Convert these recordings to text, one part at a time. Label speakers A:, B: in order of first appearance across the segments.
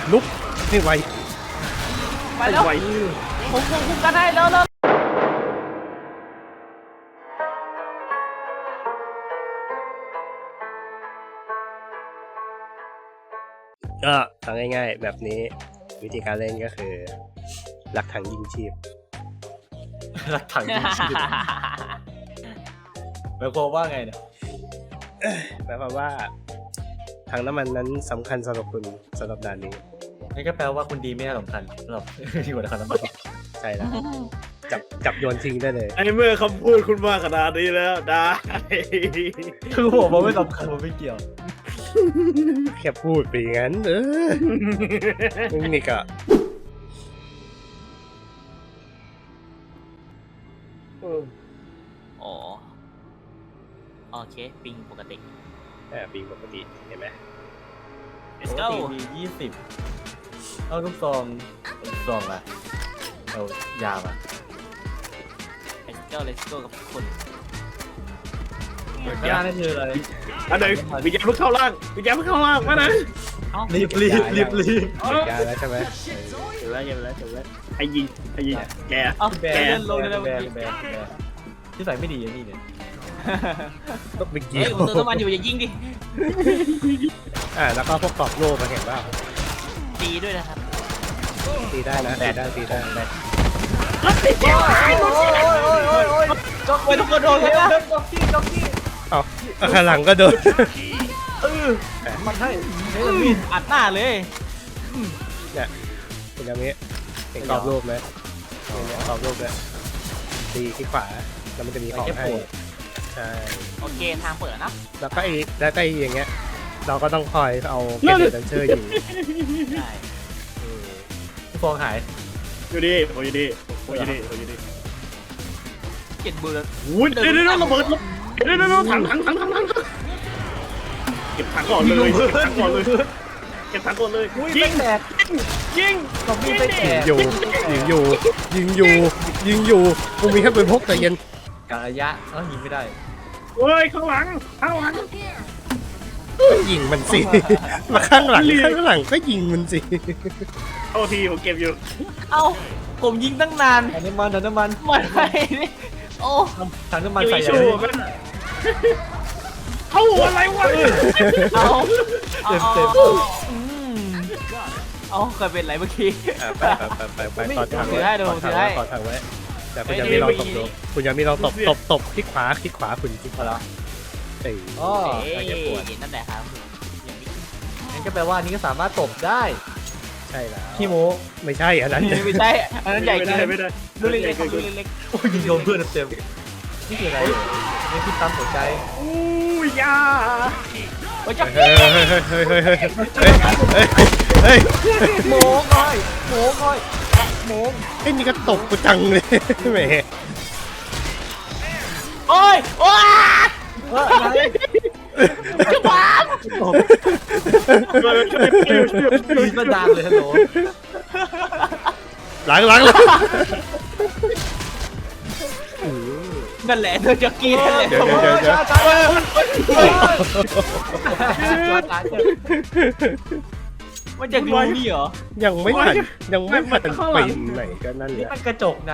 A: ลุกให้ไว
B: ไปแล้ว
A: ไว
B: ผมคุมกันให้แล้ว
A: ก็ทำง่ายๆแบบนี้วิธีการเล่นก็คือหลักถังยิงชีพ
C: หลักถังยิงชีพหมายความว่าไงเนี่ย
A: หมายความว่าถังน้ำมันนั้นสำคัญสำหรับคุณสำหรับด่านนี้
C: นั่นก็แปลว่าคุณดีไม่น่าสำคัญสำหรับที่หัวถังน้ำมัน
A: ใช่แล้วจับโยนทิ้งได้เลย
D: ไอ้เมื่อคำพูดคุณมาขนาดนี้แล้วได้
C: คือผมว่าไม่สำคัญผมไม่เกี่ยว
A: แค่พูดไปอย่างนั้นนี่ก็
B: อ๋อโอเคปิงปกติ
A: ปีปกติเห็นไหม
B: let's
C: ป
B: go
C: กติมี20เอาลูกซองอะเอายามา
B: let's go กับคน
C: ข้างหน้านั่นคืออะไร
D: อันไหนวิญญาณเพิ่งเข้าร่างวิญญาณเพิ่งเข้าร่างมาไหน
C: รีบ
A: ยาแล้วใช่ไหม
D: เดี๋ยวแล้วไอ้ยิงแก
B: เอ้า
C: แบ
B: แก
C: ร์
B: เล่นลงเลย
C: แบร์ที่ใส่ไม่ดีอย่างนี้เนี่ย
A: ต้องไป
B: เฮ้
A: เกี่
B: ย
A: ยว
B: ผมเติมน้ำมันอยู่อย่ายิงดิ
A: แล้วก็พวกกรอบโล่มาเห็นว่า
B: ตีด้วยนะครับ
A: ตีได้นะตีได้
B: จกไปทุกคนโดนเลยนะ
C: จ็อกกี้
A: เอาข้างหลังก็โดน
C: มันให้
B: อัดหน้าเลย
A: เนี่ยเป็นอย่างนี้เห็นกรอบรูปไหมเนี่ยกรอบรูปเนี่ยตีที่ขวาแล้วมันจะมีของให้ใช่
B: โอเคทางเปิดแล้วนะ
A: แล้วก็อย่างเงี้ยเราก็ต้องคอยเอาเก็บดันเชอร์ยิง
B: ได้
C: ฟองหาย
D: อยู่ดีโอ้ยดี
B: เจ็ดมือ
D: อุ้ยเดี๋ยวระเบิดเดี๋ยวถังเก็บถังก่อนเลยเก็บถังก่อนเลยยิง
C: แตก
D: ยิง
C: ซอมบี้ไปแตก
A: ยิงอยู่กูมีแค่ปืนพกแต่เย็น
C: กะระยะยิงไม่ได้
D: เฮ้ยข้างหลัง
A: ยิงมันสิมาข้างหลังก็ยิงมันสิ
D: โทษทีผมเก็บอยู่
B: เอ้าผมยิงตั้งนาน
C: ถังน้ำมัน
B: มันไปนี่โอ้
C: ถังน้ำมัน
D: อยู่
C: ใส่
D: ชูมันเข้าอะไรวะ
B: เอาเอาเคยเป็นไรเมื่อกี้
A: ไปต่อทางไว้แต่คุณยังมีลองตบดูคุณยังมีลองตบคลิกขวาคุณคลิกขวาเอ้ย
C: อ๋อ
B: นั่นแหละครับ
C: งั้นก็แปลว่านี้ก็สามารถตบได้
A: ใช่แล้ว
C: ขี้โม
A: ไม่ใช่อันนั้น
B: ไม่ใช่อันนั้นใหญ่เกิน
D: ไม่ได้
B: ดูเล็กๆดูเล็ก
C: โอ้ยยิงโดนเพื่อนเต็มนี่คืออะไรนี่คือปั๊มหัวใจ
D: อู้ยา
B: ๆโอ้ยจับ
A: เฮ้ย
C: โมง่อย
A: ไอ้นี่ก็ตบกูจังเลยแหม
B: โอ้ยโอ้ย
C: อะไร
B: จะบ้า
C: ยิงมาดังเลยฮัลโหล
A: หลัง
B: นั่นแหละเธอจะกินนั่นแหละ
A: เดี๋ยว
B: มันจะรู้นี่เหรอ
A: ยังไม่ทันไปไหนก็นั่นแห
C: นี่
A: ละ
C: มันกระจกใน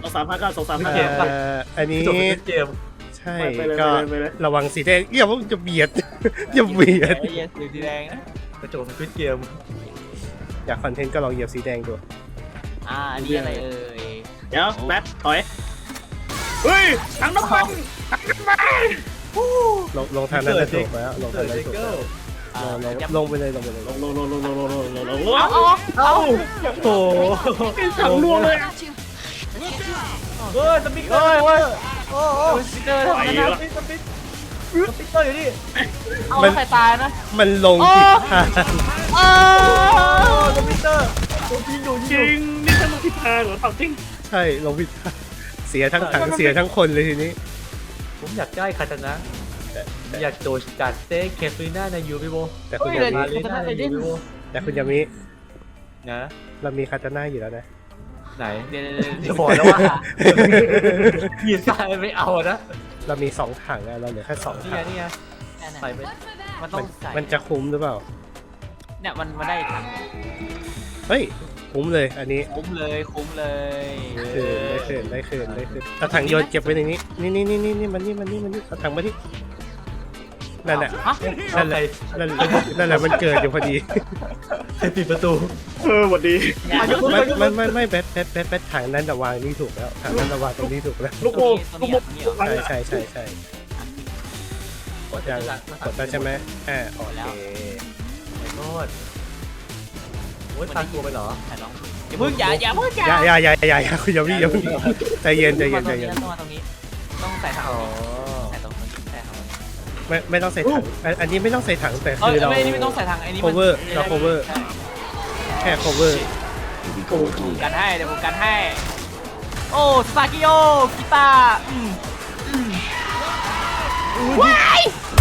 A: อันนี้
C: กระจกในเกม
A: ใช่ก็ระวังสีแดงอย่าจะเบียดอย่าเบียด
B: ไอ้เหี้ยสีแดงนะ
C: กระจกในเกม
A: อยากคอนเทนต์ก็ลองเหยียบสีแดงดู
B: อันนี้อะไรเอ่ย
D: เดี๋ยวแบทถอยเฮ้ยถังน้ำมัน
A: ลงทางนั้นจะถูกแล้วลงทางนั้นถูกลงไปเลย
D: ลง
C: เอาโอ้
D: ถังรัวเลย
C: เฮ้ยสปิกเกอร์โอ้สปิกเกอร์ทำไมนะสปิกเกอร์อยู่นี่
B: เอาใครตายนะ
A: มันลงผิดทาง
C: สปิกเกอร์ยิงอยู่
D: จริงนี่ฉันลงทิศทางเหรอเปล่าจริง
A: ใช่ลงผิดทางเสียทั้งถังเสียทั้งคนเลยทีนี้
C: ผมอยากได้คาตานะอยากโดดกัดเต้เคฟรีน่าในยูบิโบ
A: แต่คุณยามิ
C: มาลีน่าในยูบิโบ
A: แต่คุณยามิ
C: นะ
A: เรามีคาตาน่าอยู่แล้วนะ
C: ไหน
B: เดี๋ยว
C: จะบอกแล้วว่ายีซ่าไม่เอานะ
A: เรามี2ถังอะเราเหลือแค่2
C: นี่
A: ถั
C: ไง
A: ง
C: นี่ไงใส่ไป
B: มันต้องใส่
A: มันจะคุ้มหรือเปล่า
B: เนี่ยมันได้ถัง
A: เฮ้ยคุ้มเลยอันนี้
B: คุ้มเลยคุ้มเลย
A: ได้คืนเอาถังโยนเก็บไว้ในนี้นี่มันเอาถังมาที่นั่นแหละ
B: ฮะ
A: นั่นแหละมันเกิดอยู่พอดี
C: ใครปิดประตู
D: สวัสดี
A: ไม่แบทถังนั้นแต่วางนี่ถูกแล้วถังนั้นแต่วางตรงนี้ถูกแล้ว
D: ลูกโป่งลูกโป่ง
A: ใช่กดยังกดแล้วใช่ไหมโอเค
C: ไอ้โทษโอ้ยตันตัวไปเหรอ
B: ถ่ายน้องอย่าเพิ่งอย่าเพิ่ง
A: อย่าคุณอย่าวิ่งใจเย็น
B: ต้องมาตรงนี้ต้องใส่ถัง
C: อ๋อ
B: ใส่ตรงนี้ใส่ถัง
A: ไม่ต้องใส่ถังอันนี้ไม่ต้องใส่ถังแต่คือเรา
B: ไม่ต้องใส่ถังไอ้นี่
A: cover เรา cover แค่ cover
B: กันให้เดี๋ยวผมกันให้โอ้สตากิโอกีตาร์ว้าย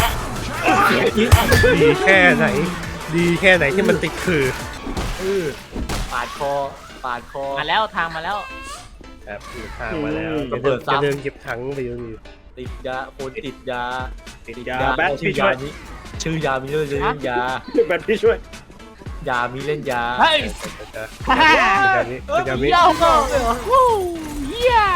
A: ดีแค่ไหนที่มันติดคือ
C: ปาดคอ
B: มาแล้วทางมาแล้ว
A: ครับมีทางมาแล้ว
C: ระเบิดซ้ำ
A: จะเดินหยิบถังไปอยู่นี่
C: ติดยาคนติดยา
D: แบท
C: ชื่
D: พี่
C: อยา
D: ช่วย
C: นี้ชื่อยามีด้วยชื่อยา
D: แบทพี่ช่วย
C: ยามีเล่นยา
B: เฮ้ย
A: คุณยามิ
B: เย้าก็วู้เยี่ย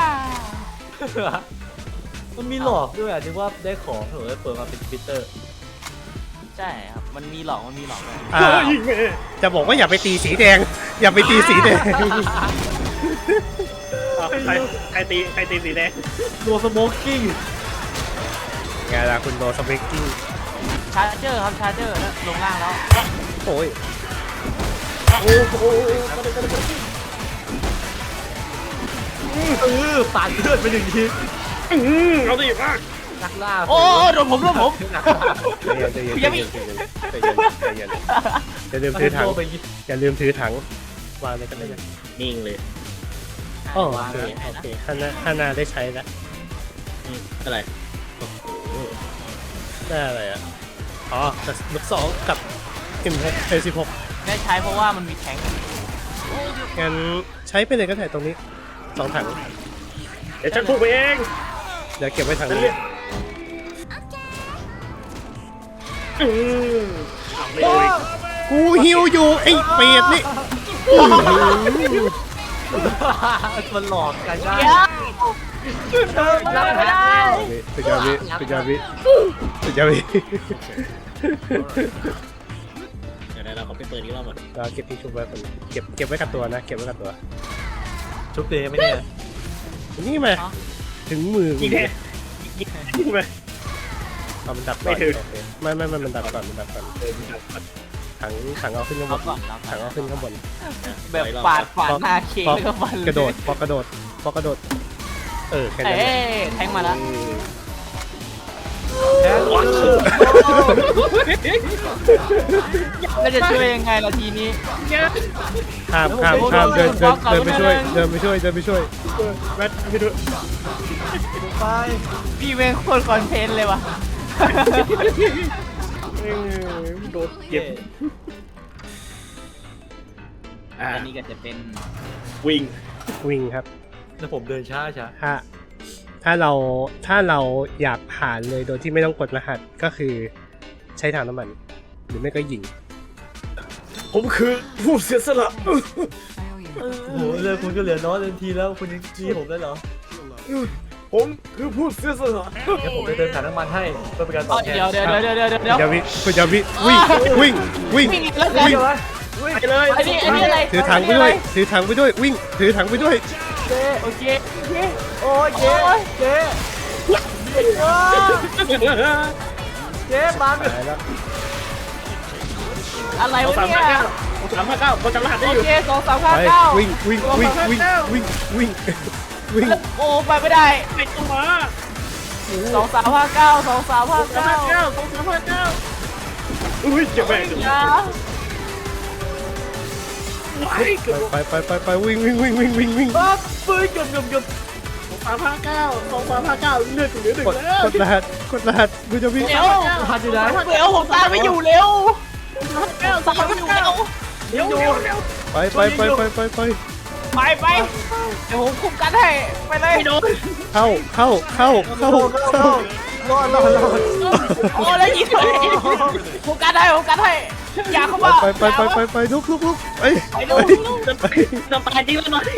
C: มันมีหลอกด้วยอ่ะที่ว่าได้ของเหรอเปิดมาเป็นฟิลเตอร์
B: ใช่ครับมันมีหลอกด้วย
D: ยิงแม่
A: จะบอกว่าอย่าไปตีสีแดง อย่าไปตีสีแดง
D: ใครตีสีแดง
C: โนสโมกกิ้ง
A: ไงล่ะคุณโดสเปกกิ้ง
B: ชาร์เจอร์ครับชาร์เจอร์แล้วลงล่างแล้ว
A: โอ้ย
C: ปาดเลือดไปหนึ่งที
D: เอาดิมา
C: นักล่า
B: โอ้โดนผม
A: ใจเย็นอย่าลืมถือถังอย่าลืมถือถังวางเลยกันเลย
D: นิ่งเลย
A: โอเคข้างหน้าได้ใช้แล้ว
D: อะไร
A: ได้อะไรอ่ะอ๋อแต่ลูก2กับ M16
B: ได้ใช้เพราะว่ามันมีแทงค์
A: งั้นใช้ไปเลยก็ได้ตรงนี้2ถัง
D: เดี๋ยวฉันพูดไปเอง
A: เดี๋ยวเก็บไว้ถังนี้
D: ไม่โดน
A: กูหิวอยู่ไอ้เป็ดนี่
C: มันหลอกกันได้
B: รับไม่ได้
A: สุดยอดวิ
D: เดี๋ยวเราขอไปเปิดอีกรอบก่อน
A: เราเก็บที่ชุบไว้ก่อนเก็บไว้กับตัวนะเก็บไว้กับตัว
C: ชุบเตะไม่เนี่ย
A: นี่มาถึงมือ
D: ยิงแน่ยิงไป
A: เอามันดับก่อน
D: ไม่ถึง
A: โอเคไม่มันดับก่อนถังเอาขึ้นข้างบนถังเอาขึ้นข้างบน
B: แบบปาดหน้าเค้กแล้วก็ฟัน
A: กระโดดพอกระโดดแค่นั้น
B: เอ้แทงมาแล้ว แล้วจะช่วยยังไงล่ะทีนี้
A: ข้ามเดินไปช่วย
D: แบทพี่ด้วย
C: ไป
B: พี่เมงโคตรคอนเทนต์เลยว่ะ
D: โดนเก็บ
B: อันนี้ก็จะเป็น
D: วิ่ง
A: ครับ
C: แล้วผมเดินช้า
A: ถ้าเราอยากผ่านเลยโดยที่ไม่ต้องกดรหัสก็คือใช้ถังน้ำมันหรือไม่ก็ยิง
D: ผมคือผู้เสียสละ
C: โอ้โหเลยคุณก็เหลือน้อยเต็มทีแล้วคุณยังจี้ผมได้เหรอ
D: ผมคือผู้เสียสละ
C: งั้นผมจะเดินถ่ายน้ำมันให้เพื่อเป็นการตอบแทน
B: เดี๋ยว
A: คุณยามิวิ่ง
B: วิ่งแล้วกัน
D: ไปเลย
B: อันนี้อะไร
A: ถือถังไปด้วยวิ่งถือถังไปด้วย
B: โอเค
C: โอ้ยเจ๊บัง
A: ตายแล้ว
B: อะไรวะเนี่ย
D: 359เขาจำรหัสได้
B: โอ
D: อยู่
B: เค
A: ไป
B: 2359
A: วิ่ง
B: โอ้ไปไม่ได้
D: ไอ้ตัวมา
B: 2359
D: อุ้ยเจ็บแม่ง
B: อย่า
A: ไปวิ่ง
C: ปั๊บปืนเกือบ
D: 259เลือดเหลือหนึ่งแล้ว
A: กดรหัสคุณจะวิ่ง
B: เร็ว
C: หันอยู่ไหน
B: เร็วผมตามไม่อยู่เร็วตามไม่อยู่เร็ว
D: เดี๋ยว
A: ไป
B: ไปเดี๋ยวผมคุมกันให้ไปเลย
A: เข้า
C: รอด
B: โอ้แล้วยิงเลยผมกันให้อย่าเข้ามา
A: ไปลุกเอ้ย
B: ไปดู
D: จะตายจริงแล้วหน่อย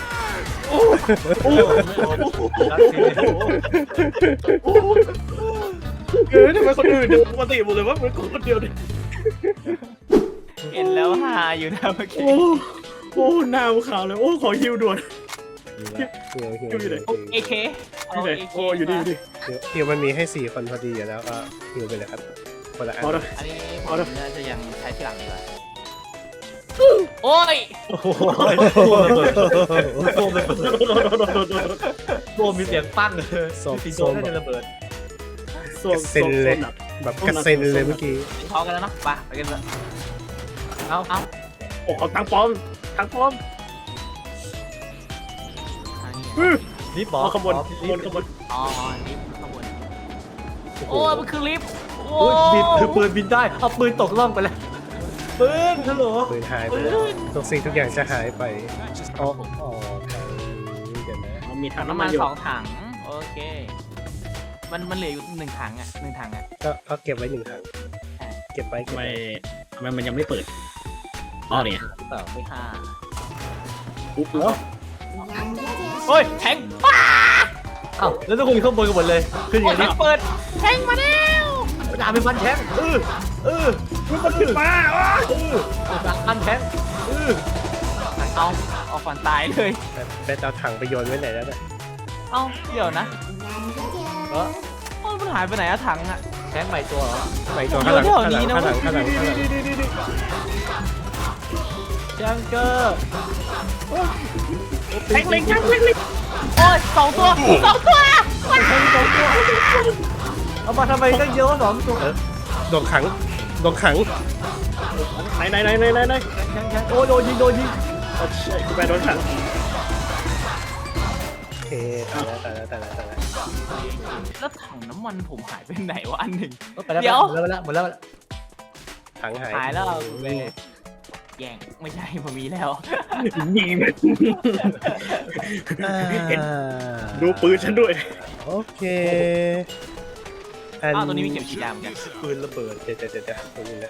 D: ทำไมคนอื่นปกติหมดเลยว่าเป็นคนเดียวเนี่ย
B: เห็นแล้วฮาอยู่นะเมื่อกี้
D: โอ้หน้าขาวเลยโอ้ขอฮิวด่วน
B: เอเค
D: อยู่ไหนโอ้อยู่นี่
A: ฮิวมันมีให้4 คนพอดีอยู่แล้วก็ฮิวไปเลยครับคนละอัน
D: พอแล้ว
B: อันนี้ผมน่าจะยังใช้ที่หลังดีกว่าโอ้ย
C: โอ้โหโบมีเสียงปั้งเลยสีโดนน่าจะระเบิด
A: แบบกระเซ็นเลยเมื่อกี้
B: พร้อมกันแล้วเนาะไปกันเลย
C: เอา
D: โอ้ทางปลอม
C: ลิฟต์บอก
D: ขบวน
B: อ๋อลิฟต์ข้างบนโอ้มันคือลิฟต์โอ้
C: โอ้ยบินคือปืนบินได้เอาปืนตกล่องไปแล้วปืนฮัลโหล
A: ปืนหายไปทุกสิ่งทุกอย่างจะหายไปอ๋อทางนี้เดี๋ยวนะ
D: มันมีถัง
B: น้ำ
D: น้ำ
B: มั
D: มัน นอยู่
B: 2 ถังโอเคมันเหลืออยู่1 ถังอ่ะ1 ถังอ่ะ
A: ก็เก็บไว้1 ถังเก็บไว้
D: ทำไมมันยังไม่เปิดอ๋อเนี่ย
B: ไม่5
D: อุ๊บ
B: โอ้ยแทง
C: เอ้าแล้วทุกคนอยู่ข้างบนกันหมดเลยขึ้นอ
B: โอ้
C: ย่าย ง
B: แท
C: นี้
B: งเปิดแทงมาแล้ว
C: ด่าเป็นพันแทง
D: มันถึงมา
C: พันแทง
B: เอาฝันตายเลย
A: เป็นเอาถังไปโยนไว้ไหนแล้วเนี่ย
B: เอาเดี๋ยวนะมันหายไปไหนอะถังอะ
C: แทงใหม่ตัวเหรอ
A: ไปตัวข้างหลัง
C: แทงเกอร์
D: แทงเล็ง
B: โอ้ย2 ตัวมัน
C: เอามาทำไมตั้งเยอะ2 ตัว
A: โดนขัง
D: ไหน
C: แทงโอ้โดนยิง
D: ใช่คุณแม่โดนขัง
A: โอเคตายแล้ว
B: แล้วถังน้ำมันผมหายไปไหนวะอันหนึ่ง
C: ไปแล้ว
B: เดี๋ยว
C: หมดแล้ว
A: ถังหาย
B: หายแล้วแย่งไม่ใช่ผมมีแล้ว
D: ยิงดูปืนฉันด้วย
A: โอเค
B: อ้าวตัวนี้มีเข็มฉีดยาเหมือนกัน
C: ปืนระเบิด
A: เดี๋ยวตรงนี้นะ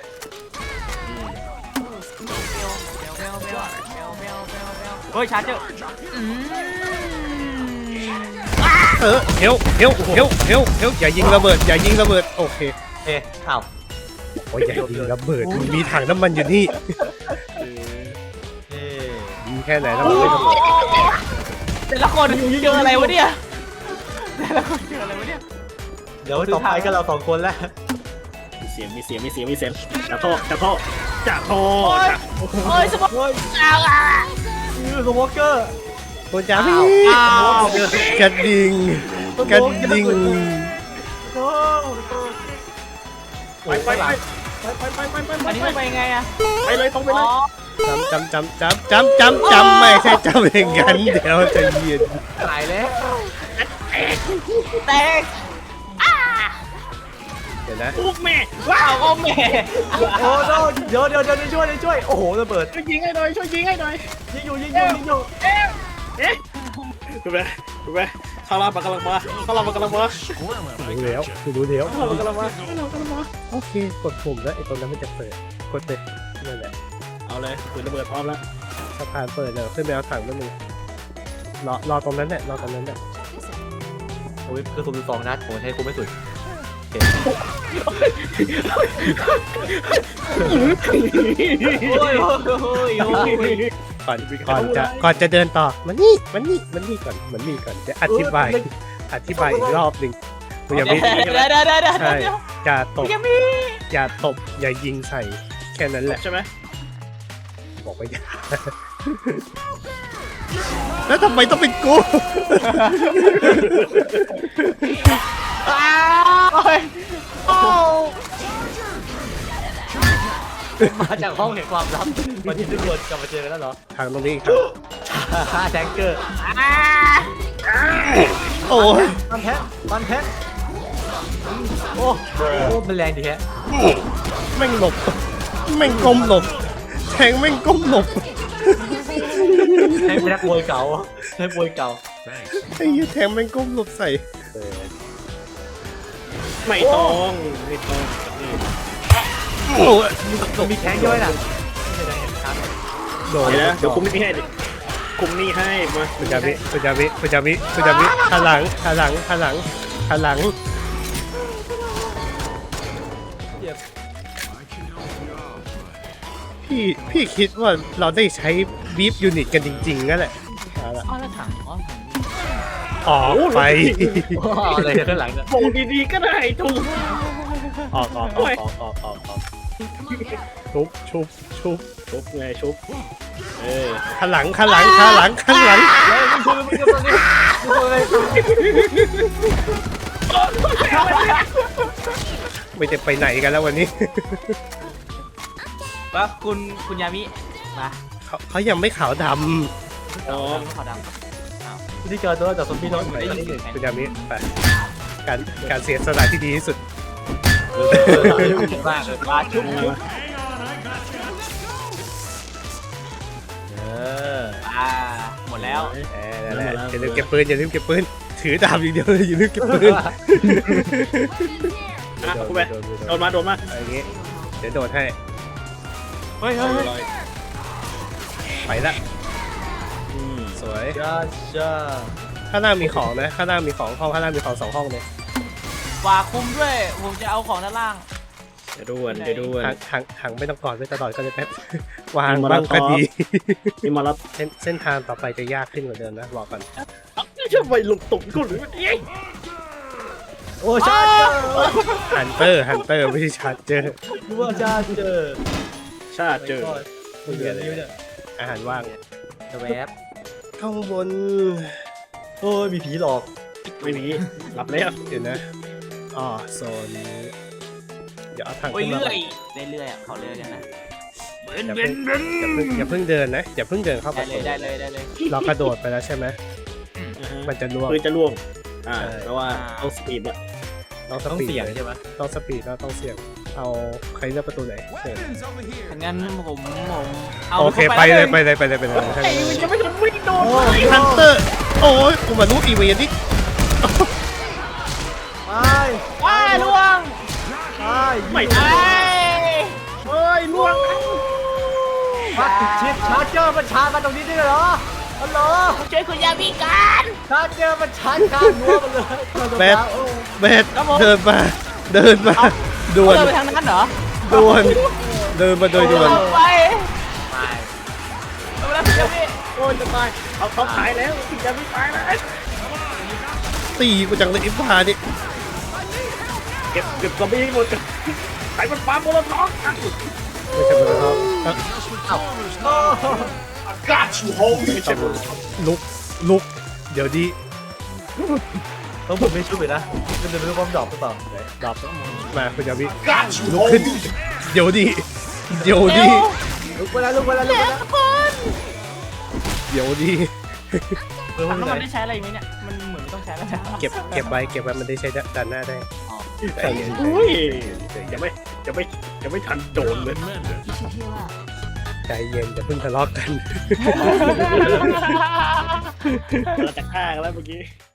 B: เฮ้ยชาร์เจอร์
A: เฮลอย่ายิงระเบิดโอเค
C: อ้าว
A: โอ้ยอย่ายิงระเบิดมีถังน้ำมันอยู่นี่ยิงแค่ไหนแล้วมันไม่ระเบิด
B: แต่ละคนเจออะไรวะเนี่ย
C: เดี๋ยวต่อไปก็เรา2 คนแล้ว
D: มีเสียงจะโทษ
B: โอ้ยสมอง
C: เฮ้ย
B: อ้าว
C: สโมเกอร์
A: คุณจ๋าพี่กระดิ่ง
D: ไป
B: อันนี้มันไปไงอะ
D: ไปเลยต้องไปเลย
A: จำไม่ใช่จำอย่างนั้นเดี๋ยวจะยืน
C: ตายแล้ว
B: แตก
A: เดี๋ยวนะ
D: ปุ๊กแม่
B: ว้าวโอ้แม่
C: โอ้โหเดี๋ยวช่วยโอ้โหระเบิด
D: ช่วยยิงให้หน่อย
C: ยิงอยู่
D: คุณแม่ข้างล่างมันกำลังมา
A: รู้แล้ว
D: กำลังมา
A: โอเคกดปุ่มแล้วไอ้ตรงนั้นมันจะเปิดกดเลยนั่นแหละ
D: เอาเลยปืนระเบิดพร้อมแล้ว
A: สะพานเปิดเลยขึ้นไปเอาถังนั่นนึงรอตรงนั้นแหละ
C: โอ้ยคือผม2 นัดผมใช้คุ้มไม่สุด
B: โอ้ย
A: ก่อนจะเดินต่อมันนี่ก่อนจะอธิบายอีกรอบหนึ่งอย่ามี
B: เดี๋ยว
A: ใช่อย่าตบ
B: ยังมี
A: อย่าตบอย่ายิงใส่แค่นั้นแหละ
D: ใช่ไหม
A: บอกไปอย่าแล้วทำไมต้องเป็นกู
C: มาจากห้องแห่งความลับวันที่ทุกคนกลับมาเจอกันแล้วเหรอ
A: ทางตรงนี้ครับ
C: แทงเกอร์
A: โอ้ย
C: มันแทงโอ้มันแรงดีแฮะ
A: แม่งหลบแม่งก้มหลบแทงแม่งก้มหลบ
C: แทงเป็นนักมวยเก่าไอ้ยี่แทงแม่งก้มหลบใส่
D: ไม่ต้องนี่
A: โอ้ย
C: มันมีแทงย่อยน่ะ
A: โดน
D: เดี๋ยวนะเดี๋ยวคุมนี่ให้คุมนี่ให้มา
A: คุณจามิคุณจามิคุณจามิคุณจามิหันหลังหันหลังหันหลังหันหลังพี่คิดว่าเราได้ใช้บีฟยูนิตกันจริงๆนั่นแหละเอาละ
B: อ๋อแล้วถังอ๋อถัง
A: ออกไป
C: อะไรข้างหลังเนี่ย
D: บอกดีๆก็ได้ถูก
A: ออกชุบชุบชุบ
D: ชุบไงชุบ
A: หันหลังหันหลังหันหลังหันหลัง ไม่จะไปไหนกันแล้ววันนี้
B: ว่าคุณยามิมา
A: เขายังไม่ขาวด
D: อ๋อ
B: ขอดำ
C: วิธีการตัวจากซอมบี้น้อย
B: ได้ยินเสียง
A: ำคุณยามิไปการเสียสละที่ดีที่สุด
B: มากเลยมาชุบ หมดแล้ว
A: นั่นแหละอย่าลืมเก็บปืนอย่าลืมเก็บปืนถือดาบอย่างเดียวอย่าลืมเก็บปืน
D: คุมไปโดนมา
A: อย่างงี้เดี๋ยวโดดให้
B: เฮ้ย
A: ไปละสวย
C: จ้าจ้า
A: ข้างหน้ามีของนะข้างหน้ามีของห้องข้างหน้ามีของ2ห้องเลย
B: ฝากคุมด้วยผมจะเอาของด้านล่าง
D: จะด่วนจะด่วน
A: หังไม่ต้องกอดไม่ตลอดก็จะแป๊บวางบ้างก็ดี
D: นี่มารับ
A: เส้นทางต่อไปจะยากขึ้นกว่าเดิมนะบอกก่อน
D: จะไปลงตุ่มกูหรือเอ้ย
C: โอ้ชา
A: ฮันเตอร์ไม่ใช่ชาร์เจอร์
C: ดูว่าชาเจอ
D: ชาติเจอ
C: คุณเรียนนิ้วเนี่ย
A: อาหารว่าง
C: แวบ
A: ข้างบน
C: โอ้ยมีผีหลอก
D: ไม่มีรับแล้ว
A: เดี๋ยวนะอ๋อโซนนี้เดี๋ยวเอาทาง
B: โอ้ย
A: ขึ้นมา
B: เรื่อยเรื่อยเขาเรื่อยกันนะ
A: อย่าเพิ่งเดินนะอย่าเพิ่งเดินเข้า
B: ได้
A: ประ
B: เล
A: ตู
B: ยได้เลยได้เลย
A: เรากระโดดไปแล้วใช่ไหมมันจะล่วง
D: ปืนจะล่วงเพ
A: ใช่
D: ราะว่าเอาสปีดอะ
A: ต้องส
C: ต้อง
A: ปีด
C: เสี่ยงใช่ไหม
A: ต้องสปีดแล้วต้องเสี่ยงเอาใครเลือกประตูไหนเชิญ
B: งั้นผมเอา
A: โอเคไปเลยจะไม่ทันวิ่งโดนฮันเตอร์โอ้ยกูมารู้อีเวนต์นี่
B: ว้าล่วง
D: ไม่
B: ไอ้
D: เฮ้ยล่วง
C: มาติดชิปชาร์เจอร์มันชาร์จมาตรงนี้ด้วยเหรอฮัลโหล
B: ช่วยคุณยามิกัน
C: ชาร์เจอร์มันชาร์จการนัวมันเลย
A: เบสเดินมาด่วน
B: เดินไปทางนั้นเหรอ
A: เดินมาโดยด่วน
B: ไปเอาแล้วคุณยามิ
D: โอ้ยจะตายเอาเขาขายแล้วจะไม่ตายแล้ว
A: ตีกูจังเลยอิฟพาดิ
D: เก็บซอมบี้ให้หมดขายมันปลาโมโลท็อก
A: ไม่ใช่บนท้อง
D: Got you home ไม่ใช่
A: ลุกเดี๋ยวดี
C: ต้องผมไม่ช่วยนะมันจะเป็นความดรอปหรือเปล่า
A: ดับมาคุณยามิ
D: Got you
A: ลุกขึ้น
D: home
A: เดี๋ยวดี
C: ลุกไปแล้วลุกไปแล้วลุกไปแล้ว
A: เดี๋ยวดี
B: ถังน้ำมันได้ใช้อะไรไหมเนี่ยมันเหมือนไม่ต้องใช้แล้ว
A: เก็บไว้มันได้ใช้ด้านหน้าได้ใจเย็น
D: อุ้ยจะไม่ทันโดนเลย
A: ใจเย็นอย่าเพิ่งทะเลาะกัน
D: เราจะฆ่ากันแล้วเมื่อกี้